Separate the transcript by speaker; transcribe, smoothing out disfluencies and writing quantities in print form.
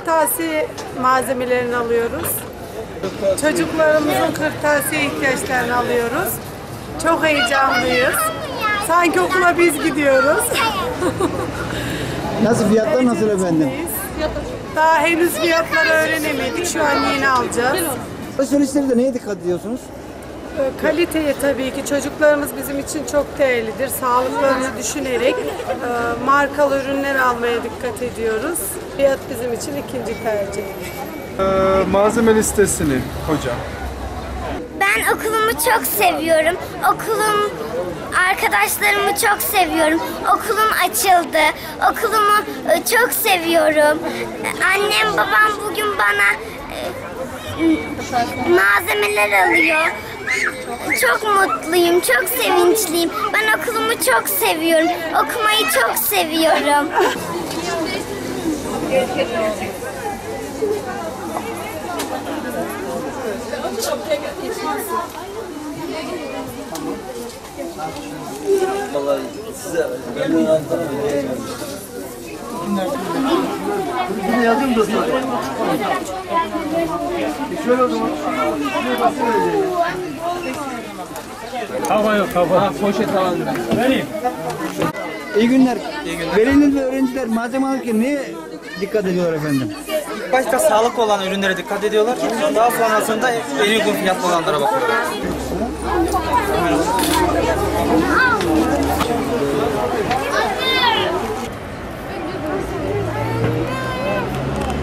Speaker 1: kırtasiye malzemelerini alıyoruz. Çocuklarımızın kırtasiye ihtiyaçlarını alıyoruz. Çok heyecanlıyız. Sanki okula biz gidiyoruz.
Speaker 2: Nasıl fiyatlar nasıl efendim?
Speaker 1: Daha henüz fiyatları öğrenemedik. Şu an yeni alacağız.
Speaker 2: Alışverişlerde neye dikkat ediyorsunuz?
Speaker 1: Kaliteye tabii ki. Çocuklarımız bizim için çok değerlidir. Sağlıklarını düşünerek markalı ürünler almaya dikkat ediyoruz. Fiyat bizim için ikinci tercih.
Speaker 3: Malzeme listesini hocam.
Speaker 4: Ben okulumu çok seviyorum. Arkadaşlarımı çok seviyorum. Okulum açıldı. Okulumu çok seviyorum. Annem babam bugün bana malzemeler alıyor. Çok mutluyum, çok sevinçliyim. Ben okulumu çok seviyorum. Okumayı çok seviyorum.
Speaker 5: Vallahi size ben bunu anlatamıyorum.
Speaker 2: Ne yazayım dostlar? Şöyle o zaman.
Speaker 6: Kava yok, kava. Poşet alalım. Vereyim.
Speaker 2: İyi günler. Veliler ve öğrenciler malzeme alırken neye dikkat ediyorlar efendim?
Speaker 7: Başta sağlıklı olan ürünlere dikkat ediyorlar. Daha sonrasında en uygun fiyatlı olanlara bakıyorlar.